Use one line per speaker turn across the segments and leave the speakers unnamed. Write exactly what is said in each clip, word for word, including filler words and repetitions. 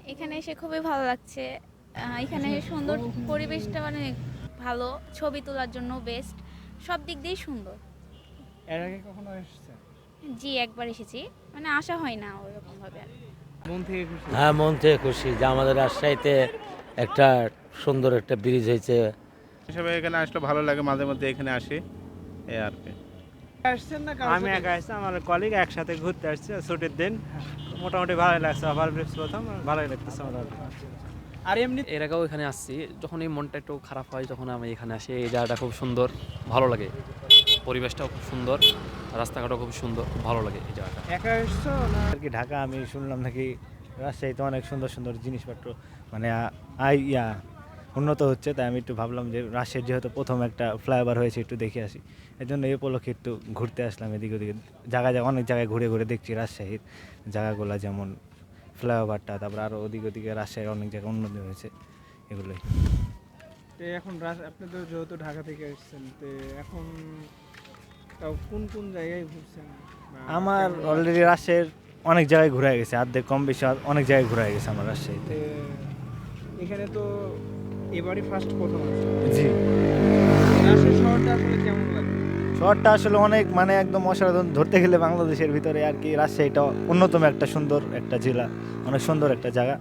এখানে এসে খুবই ভালো লাগছে। আ এখানে সুন্দর পরিবেশটা মানে ভালো। ছবি তোলার জন্য বেস্ট। সব দিক দিয়েই সুন্দর।
এর আগে কখনো এসেছেন?
জি, একবার এসেছি। মানে আসা হয় না ওরকমভাবে আর।
মন থেকে খুশি?
হ্যাঁ, মন থেকে খুশি যে আমাদের রাজশাহীতে একটা সুন্দর একটা ব্রিজ হয়েছে।
হিসেবে এখানে আসলে ভালো লাগে, মাঝে মধ্যে এখানে আসি এই আর কি।
আসছেন না কারোর
আমি
সাথে?
একা আসছি, আমার কলিগ একসাথে ঘুরতে আসছে ছুটির দিন। মোটামুটি ভালোই লাগছে, ওভার ব্রিজ প্রথম ভালোই লাগতেছে মোটামুটি।
আর এমনি
এর আগেও এখানে আসছি, যখনই মনটা একটু খারাপ হয় যখন আমি এখানে আসি। এই জায়গাটা খুব সুন্দর, ভালো লাগে, পরিবেশটাও খুব সুন্দর, রাস্তাঘাটও খুব সুন্দর, খুব ভালো লাগে এই জায়গাটা।
একা এসছো না?
আর কি ঢাকা আমি শুনলাম নাকি রাজশাহীতে অনেক সুন্দর সুন্দর জিনিসপত্র মানে আ- আই ইয়া উন্নত হচ্ছে, তাই আমি একটু ভাবলাম যে রাজশাহীর যেহেতু প্রথম একটা ফ্লাইওভার হয়েছে একটু দেখে আসি। এই জন্য এই উপলক্ষে একটু ঘুরতে আসলাম এদিক ওদিকে জায়গায় জায়গায় অনেক জায়গায় ঘুরে ঘুরে দেখছি রাজশাহীর জায়গাগুলো, যেমন ফ্লাইওভারটা, তারপর আরও ওদিক ওদিকে রাজশাহীর অনেক জায়গায় উন্নতি হয়েছে এগুলোই।
তো এখন রাজ- আপনি তো যেহেতু ঢাকা থেকে এসেছেন, তো এখন তাও কোন কোন জায়গায় ঘুরছেন? বা
আমার
কেমন
অলরেডি রাজশাহীর অনেক জায়গায় ঘোরা গেছে, অর্ধেক কম বেশি অনেক জায়গায় ঘোরা গেছে আমার রাজশাহীতে।
লাগছে? এখানে তো এবারই ফার্স্ট প্রথম আছে।
জি,
রাজশাহী শহরটা আসলে কেমন লাগে?
শহরটা আসলে অনেক মানে একদম অসাধারণ, ধরতে গেলে বাংলাদেশের ভিতরে আর কি রাজশাহীটা অন্যতম একটা সুন্দর একটা জেলা, অনেক সুন্দর একটা জায়গা।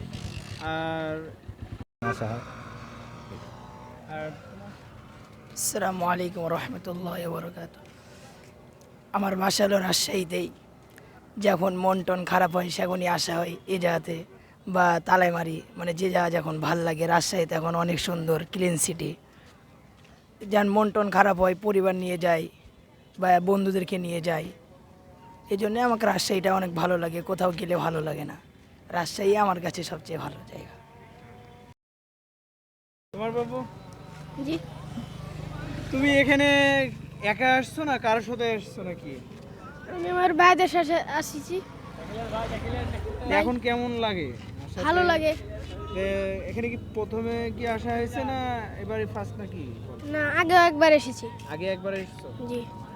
আর
আশা হয়
আর
আসসালামু আলাইকুম রহমতুল্লাহ বরকাত। আমার বাসা হলো রাজশাহীতেই। যখন মন টন খারাপ হয় সেখনই আসা হয় এই জায়গাতে, বা তালাইমারি, মানে যে জায়গা যখন ভাল লাগে। রাজশাহীতে এখন অনেক সুন্দর ক্লিন সিটি। যেন মন টন খারাপ হয় পরিবার নিয়ে যাই বা বন্ধুদেরকে নিয়ে যাই। এই জন্যে আমাকে রাজশাহীটা অনেক ভালো লাগে, কোথাও গেলে ভালো লাগে না। রাজশাহী আমার কাছে সবচেয়ে ভালো জায়গা।
তোমার বাবু,
জি,
তুমি এখানে একা আসছো না কারোর সাথে আসছো নাকি?
আমি আমার ভাইদের সাথে আসছি।
এখন কেমন লাগে আসাতে?
ভালো লাগে।
এ, এখানে কি প্রথমে কি আসা হয়েছে না এবারে ফার্স্ট নাকি?
না, আগে একবার এসেছি।
আগে একবার এসেছো?
জি।